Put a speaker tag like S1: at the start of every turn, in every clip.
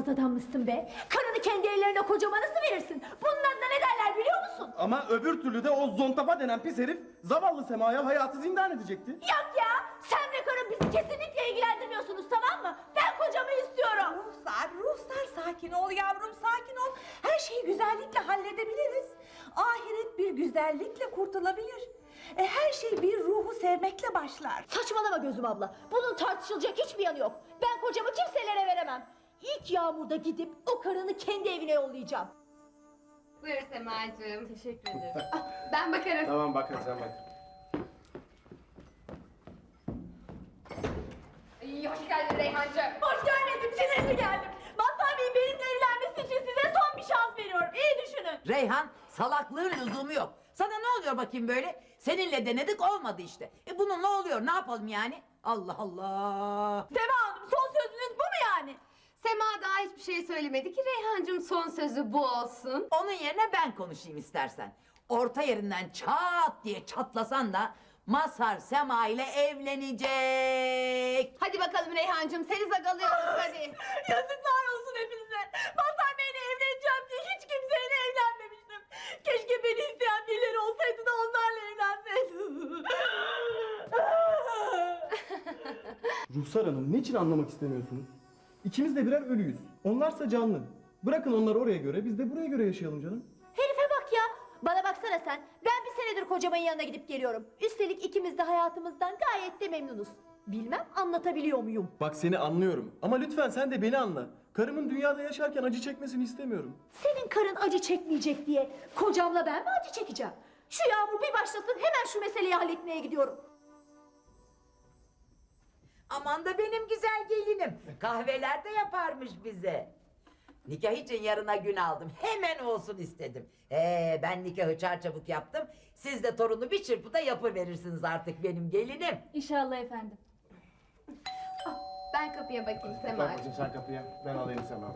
S1: utanmaz adammışsın be. Karını kendi ellerine kocama nasıl verirsin? Bunun adına ne derler biliyor musun?
S2: Ama öbür türlü de o zontafa denen pis herif zavallı Sema'ya hayatı zindan edecekti.
S1: Yok ya, sen ve karın bizi kesinlikle ilgilendirmiyorsunuz, tamam mı? Ben kocamı istiyorum.
S3: Ruhsar sakin ol yavrum, sakin ol. Her şeyi güzellikle halledebiliriz. Ahiret bir güzellikle kurtulabilir. Her şey bir ruhu sevmekle başlar.
S1: Saçmalama Gözüm abla. Bunun tartışılacak hiçbir yanı yok. Ben kocamı kimselere veremem. İlk yağmurda gidip o karını kendi evine yollayacağım.
S4: Buyur Semacığım. Teşekkür ederim. Ben bakarım.
S2: Tamam bakın sen bak.
S4: İyi, hoş geldin Reyhancığım.
S1: Hoş gelmedim, sinirli geldim. Mazhar Bey'in benimle evlenmesi için size son bir şans veriyorum. İyi düşünün.
S5: Reyhan, salaklığın lüzumu yok. Sana ne oluyor bakayım böyle? Seninle denedik, olmadı işte. Bunun ne oluyor, ne yapalım yani? Allah Allah!
S1: Sema Hanım, son sözünüz bu mu yani?
S4: Sema daha hiçbir şey söylemedi ki Reyhancığım, son sözü bu olsun.
S5: Onun yerine ben konuşayım istersen. Orta yerinden çat diye çatlasan da Mazhar Sema ile evlenecek.
S4: Hadi bakalım Reyhancığım, seni zagalıyoruz hadi.
S1: Yazıklar olsun hepinize. Mazhar Bey'le evleneceğim diye hiç kimseyle evlenmemiştim. Keşke beni isteyen birileri olsaydı da onlarla evlenseydim.
S2: Ruhsar Hanım niçin anlamak istemiyorsunuz? İkimiz de birer ölüyüz. Onlarsa canlı. Bırakın onları oraya göre, biz de buraya göre yaşayalım canım.
S1: Herife bak ya. Bana baksana sen. Ben bir senedir kocamın yanına gidip geliyorum. Üstelik ikimiz de hayatımızdan gayet de memnunuz. Bilmem anlatabiliyor muyum?
S2: Bak seni anlıyorum ama lütfen sen de beni anla. Karımın dünyada yaşarken acı çekmesini istemiyorum.
S1: Senin karın acı çekmeyecek diye kocamla ben mi acı çekeceğim? Şu yağmur bir başlasın, hemen şu meseleyi halletmeye gidiyorum.
S5: Aman da benim güzel gelinim. Kahveler de yaparmış bize. Nikah için yarına gün aldım. Hemen olsun istedim. Ben nikahı çarçabuk yaptım. Siz de torunu bir çırpıda yapıverirsiniz artık benim gelinim.
S6: İnşallah efendim.
S4: Ben kapıya bakayım
S7: Bak
S4: Semacığım.
S7: bakayım sen kapıya, ben alayım Sema.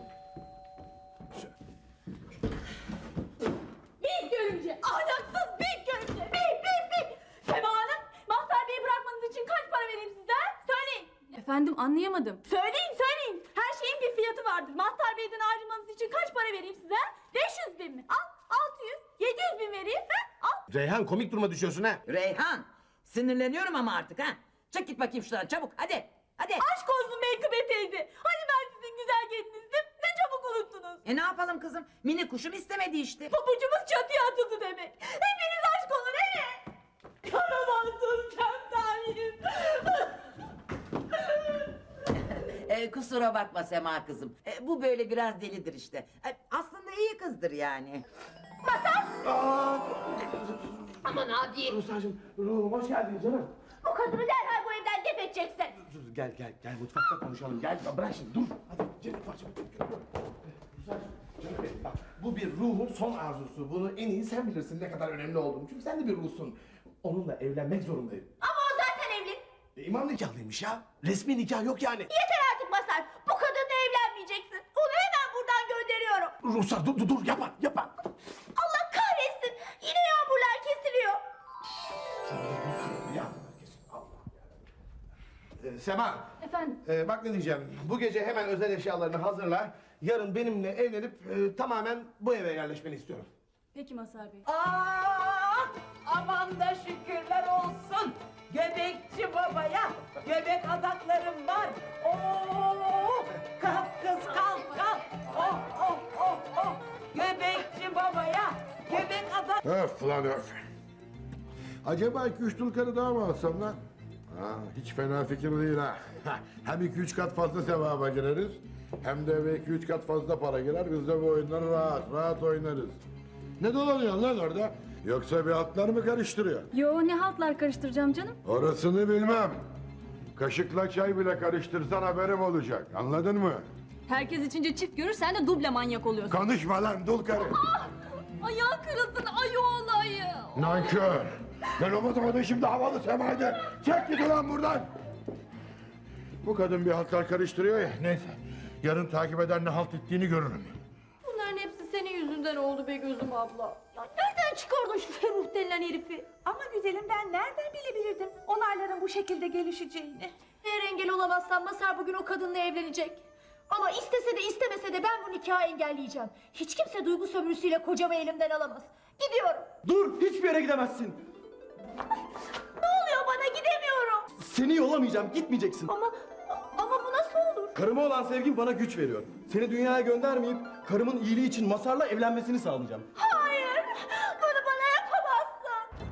S1: Bip görümce, ahlaksız bip görümce, bip. Sema Hanım, Mazhar Bey'i bırakmanız için kaç para vereyim size? Söyleyin.
S6: Efendim anlayamadım.
S1: Söyleyin. Her şeyin bir fiyatı vardır. Mazhar Bey'den ayrılmanız için kaç para vereyim size? 500 bin mi? Al, 600, 700 bin vereyim. Al.
S7: Reyhan komik duruma düşüyorsun ha.
S5: Reyhan, sinirleniyorum ama artık ha. Çık git bakayım şuradan çabuk hadi. Hadi.
S1: Aşk olsun Menkıbe teyze. Hani ben sizin güzel gelininizdim? Ne çabuk unuttunuz.
S5: Ne yapalım kızım? Mini kuşum istemedi işte.
S1: Pabucumuz çatıya atıldı demek. Hepiniz aşk olun evet. Karamazsın kemtalim.
S5: Kusura bakma Sema kızım. Bu böyle biraz delidir işte. Aslında iyi kızdır yani.
S4: Aman abi.
S7: Ruhsar'cığım, ruhum hoş geldin canım.
S1: Bu kadını derhal bu evden def edeceksin.
S7: Dur, gel mutfakta konuşalım. Gel bırak şimdi dur. Hadi Cennet parça. Ruhsar'cığım, Cennet Bey, bak bu bir ruhun son arzusu. Bunu en iyi sen bilirsin ne kadar önemli olduğunu. Çünkü sen de bir ruhsun. Onunla evlenmek zorundayım.
S1: Ama o zaten evli.
S7: İmam nikahlıymış ya. Resmi nikah yok yani.
S1: Yeter artık Mazhar. Bu kadınla evlenmeyeceksin. Onu hemen buradan gönderiyorum.
S7: Ruhsar dur yapma.
S1: Allah kahretsin. Yine yağmurlar kesiliyor.
S7: Ya kesin Allah ya. Sema.
S6: Efendim.
S7: Bak ne diyeceğim. Bu gece hemen özel eşyalarını hazırla. Yarın benimle evlenip tamamen bu eve yerleşmeni istiyorum.
S6: Peki Mazhar Bey.
S5: Aman da şükürler olsun. Göbekçi babaya göbek adaklarım var. Kalk kız kalk. Oh. Göbekçi babaya göbek adak.
S8: Öf lan öf. Acaba 2-3 dul karı daha mı alsam lan? Ha, hiç fena fikir değil ha. Hem 2-3 kat fazla sevaba gireriz. Hem de eve 2-3 kat fazla para girer. Biz de bu oyunları rahat oynarız. Ne dolanıyorsun lan orada? Yoksa bir hatlar mı karıştırıyor?
S6: Yo ne haltlar karıştıracağım canım.
S8: Orasını bilmem. Kaşıkla çay bile karıştırsan haberim olacak. Anladın mı?
S6: Herkes içince çift görür sen de duble manyak oluyorsun.
S8: Konuşma lan dul karı.
S6: Ayağı kırılsın ayı olayı.
S8: Nankör. Ben olmadan şimdi havalı Sema'ydı. Çek git ulan buradan. Bu kadın bir haltlar karıştırıyor ya. Neyse. Yarın takip eder ne halt ettiğini görürüm.
S1: Bunların hepsi senin yüzünden oldu be Gözüm abla. Ya nereden çıkardın şu Ferruh denilen herifi?
S3: Ama güzelim ben nereden bilebilirdim olayların bu şekilde gelişeceğini?
S1: Eğer engel olamazsan Mazhar bugün o kadınla evlenecek. Ama istese de istemese ben bu nikahı engelleyeceğim. Hiç kimse duygu sömürüsüyle kocamı elimden alamaz. Gidiyorum.
S2: Dur, hiçbir yere gidemezsin.
S1: Ne oluyor bana, gidemiyorum.
S2: Seni yollamayacağım, gitmeyeceksin.
S1: Ama bu nasıl olur?
S2: Karıma olan sevgim bana güç veriyor. Seni dünyaya göndermeyip karımın iyiliği için Masar'la evlenmesini sağlayacağım.
S1: Hayır, bunu bana yapamazsın.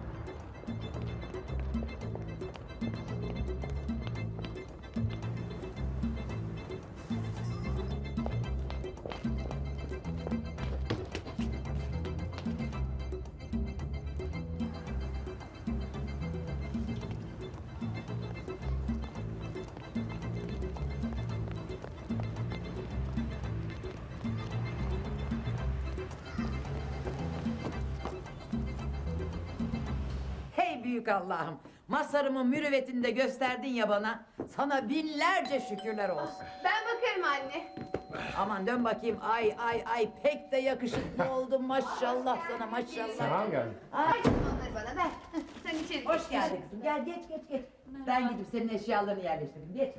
S5: Hey büyük Allah'ım. Masarımın mürüvvetini de gösterdin ya bana. Sana binlerce şükürler olsun.
S4: Ben bakarım anne.
S5: Aman dön bakayım. Ay pek de yakışıklı oldun maşallah sana maşallah.
S7: Tamam geldim.
S5: Ay,
S4: Onları bana ver. Sen içeri geç.
S5: hoş geldin kızım. Gel geç. Ben gidip senin eşyalarını yerleştireyim. Geç.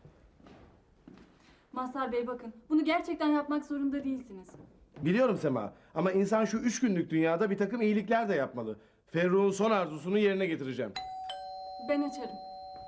S6: Mazhar Bey bakın, bunu gerçekten yapmak zorunda değilsiniz.
S7: Biliyorum Sema ama insan şu 3 günlük dünyada bir takım iyilikler de yapmalı. Ferruh'un son arzusunu yerine getireceğim.
S6: Ben açarım.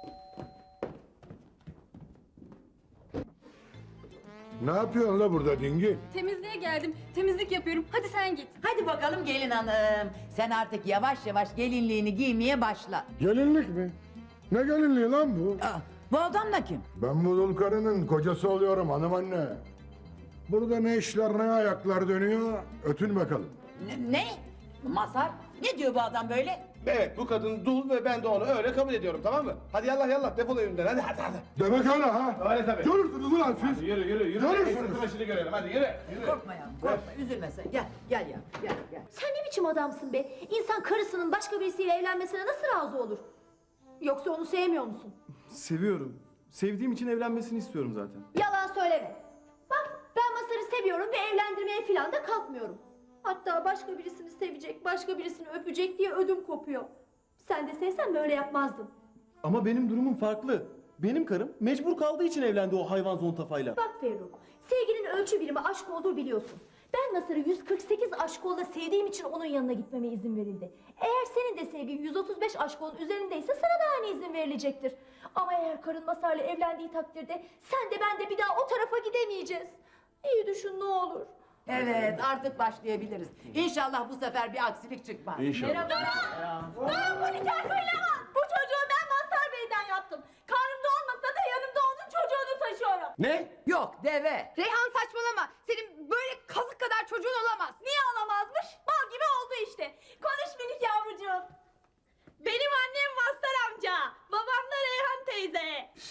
S8: Ne yapıyorsun la burada dingin?
S6: Temizliğe geldim, temizlik yapıyorum. Hadi sen git.
S5: Hadi bakalım gelin hanım. Sen artık yavaş yavaş gelinliğini giymeye başla.
S8: Gelinlik mi? Ne gelinliği lan bu?
S5: Aa, bu adam da kim?
S8: Ben bu dul karının kocası oluyorum hanım anne. Burada ne işler ne ayaklar dönüyor ötün bakalım.
S5: Ne? Masar? Ne diyor bu adam böyle?
S7: Evet bu kadın dul ve ben de onu öyle kabul ediyorum tamam mı? Hadi yallah defol evimden hadi.
S8: Demek öyle ha?
S7: Öyle tabii.
S8: Görürsünüz ulan siz.
S7: Yürü.
S8: Görürsünüz.
S7: Tıraşını görelim hadi yürü.
S5: Korkma yavrum korkma üzülme sen. Gel ya gel.
S1: Sen ne biçim adamsın be? İnsan karısının başka birisiyle evlenmesine nasıl razı olur? Yoksa onu sevmiyor musun?
S2: Seviyorum. Sevdiğim için evlenmesini istiyorum zaten.
S1: Yalan söyleme. Bak, ben Masar'ı seviyorum ve evlendirmeye falan da kalkmıyorum. Hatta başka birisini sevecek, başka birisini öpecek diye ödüm kopuyor. Sen de sevsen böyle yapmazdın.
S2: Ama benim durumum farklı. Benim karım mecbur kaldığı için evlendi o hayvan zontafayla.
S1: Bak Ferruh, sevginin ölçü birimi aşk olduğu biliyorsun. Ben Masar'ı 148 aşkolla sevdiğim için onun yanına gitmeme izin verildi. Eğer senin de sevgin 135 aşkolun üzerindeyse sana da aynı izin verilecektir. Ama eğer karın Masar'la evlendiği takdirde sen de ben de bir daha o tarafa gidemeyeceğiz. İyi düşün ne olur.
S5: Evet artık başlayabiliriz. İnşallah bu sefer bir aksilik çıkmaz.
S7: İnşallah.
S1: Ben bu nikah kıyılamam. Bu çocuğu ben Mazhar Bey'den yaptım. Karnımda olmasa da yanımda onun çocuğunu taşıyorum.
S7: Ne?
S5: Yok deve.
S4: Reyhan saçmalama. Senin böyle kazık kadar çocuğun olamaz.
S1: Niye olamazmış? Bal gibi oldu işte. Konuş minik yavrucuğum. Benim annem Mazhar amca. Babam da Reyhan teyze.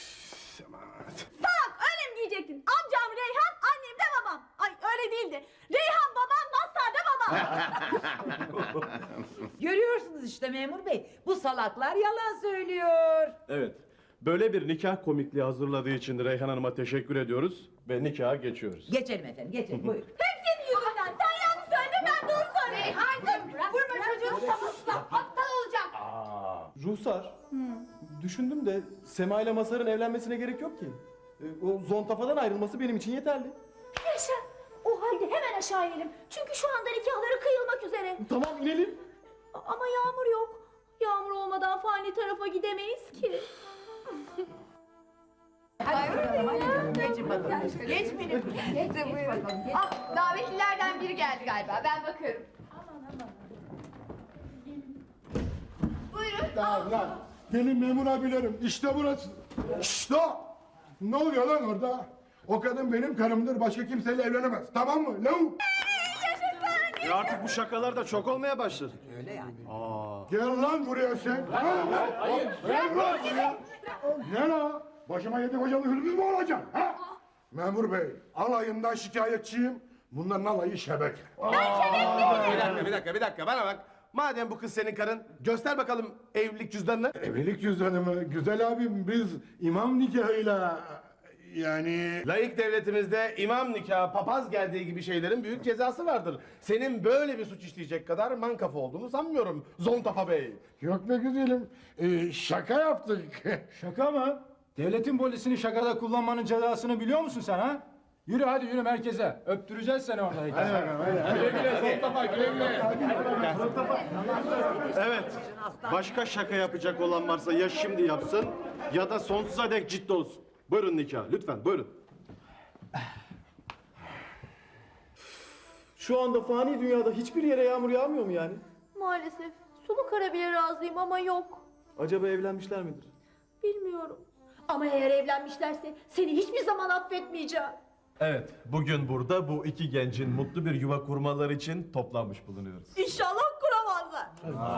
S1: Salak öyle mi diyecektin? Amcam Reyhan, annem de babam. Ay öyle değildi. Reyhan babam, Mazhar da babam.
S5: Görüyorsunuz işte memur bey. Bu salaklar yalan söylüyor.
S7: Evet. Böyle bir nikah komikliği hazırladığı için Reyhan Hanım'a teşekkür ediyoruz ve nikaha geçiyoruz.
S5: Geçelim efendim geçelim buyurun.
S1: Hep senin yüzünden. Sen yanlış söyledin, ben doğru söyledim.
S4: Reyhancığım vurma çocuğun kafasına. Aptal olacak.
S2: Ruhsar, düşündüm de Sema ile Masar'ın evlenmesine gerek yok ki. O zontafadan ayrılması benim için yeterli.
S1: Yaşa. O halde hemen aşağı inelim. Çünkü şu anda nikahları kıyılmak üzere.
S2: Tamam inelim.
S1: Ama yağmur yok. Yağmur olmadan fani tarafa gidemeyiz ki.
S5: Hadi bakalım hadi canım geçin bakalım. Geç benim. Geç bakalım. Geç.
S4: Ah, davetlilerden biri geldi galiba. Ben bakarım. Buyurun.
S8: Lan gelin memur abilerim işte burası. İşte o. Ne oluyor lan orada? O kadın benim karımdır başka kimseyle evlenemez tamam mı? Lavuk.
S7: Artık bu şakalar da çok olmaya başladı.
S5: Öyle yani.
S8: Gel lan buraya sen. Hayır. Gel lan buraya. Ne la? Başıma yedi kocalı hırsız mı olacaksın? Ha? Memur bey alayından şikayetçiyim. Bunların alayı şebek.
S7: Bir dakika bana bak. Madem bu kız senin karın göster bakalım evlilik cüzdanını.
S8: Evlilik cüzdanı mı? Güzel abim biz imam nikahıyla yani...
S7: Laik devletimizde imam nikahı, papaz geldiği gibi şeylerin büyük cezası vardır. Senin böyle bir suç işleyecek kadar mankafa olduğunu sanmıyorum Zontafa Bey.
S8: Yok be güzelim. Şaka yaptık.
S9: Şaka mı? Devletin polisini şakada kullanmanın cezasını biliyor musun sen ha? Yürü hadi yürü merkeze. Öptüreceğiz seni orada. Hadi bakalım hadi. Güle güle son topa güle güle.
S2: Evet. Başka şaka yapacak olan varsa ya şimdi yapsın ya da sonsuza dek ciddi olsun. Buyurun nikah. Lütfen buyurun. Şu anda fani dünyada hiçbir yere yağmur yağmıyor mu yani?
S1: Maalesef. Sulu kara bile razıyım ama yok.
S2: Acaba evlenmişler midir?
S1: Bilmiyorum. Ama eğer evlenmişlerse seni hiçbir zaman affetmeyeceğim.
S10: Evet, bugün burada bu iki gencin mutlu bir yuva kurmaları için toplanmış bulunuyoruz.
S3: İnşallah kuramazlar.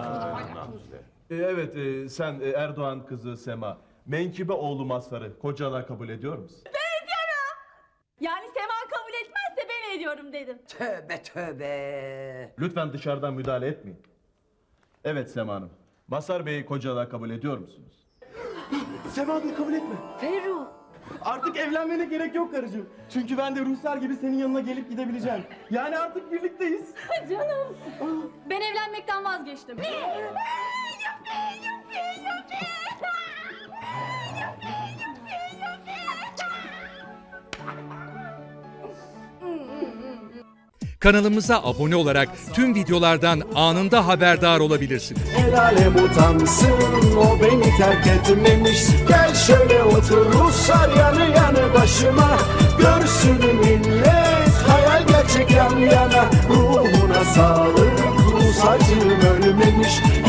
S10: Evet, sen Erdoğan kızı Sema, Menkıbe oğlu Mazhar'ı kocalığa kabul ediyor musun?
S6: Yani Sema kabul etmezse ben ediyorum dedim.
S5: Tövbe tövbe.
S10: Lütfen dışarıdan müdahale etmeyin. Evet Sema Hanım, Mazhar Bey'i kocalığa kabul ediyor musunuz?
S2: Sema Gül kabul etme.
S1: Ferruh.
S2: Artık evlenmene gerek yok karıcığım. Çünkü ben de Ruhsar gibi senin yanına gelip gidebileceğim. Yani artık birlikteyiz.
S6: Canım. Ben evlenmekten vazgeçtim.
S11: Kanalımıza abone olarak tüm videolardan anında haberdar olabilirsiniz.
S12: El alem utansın, o beni terk etmemiş. Gel şöyle otur Ruslar yanı yanı başıma. Görsün millet hayal gerçek yan yana. Ruhuna sağlık, Rus acım ölmemiş.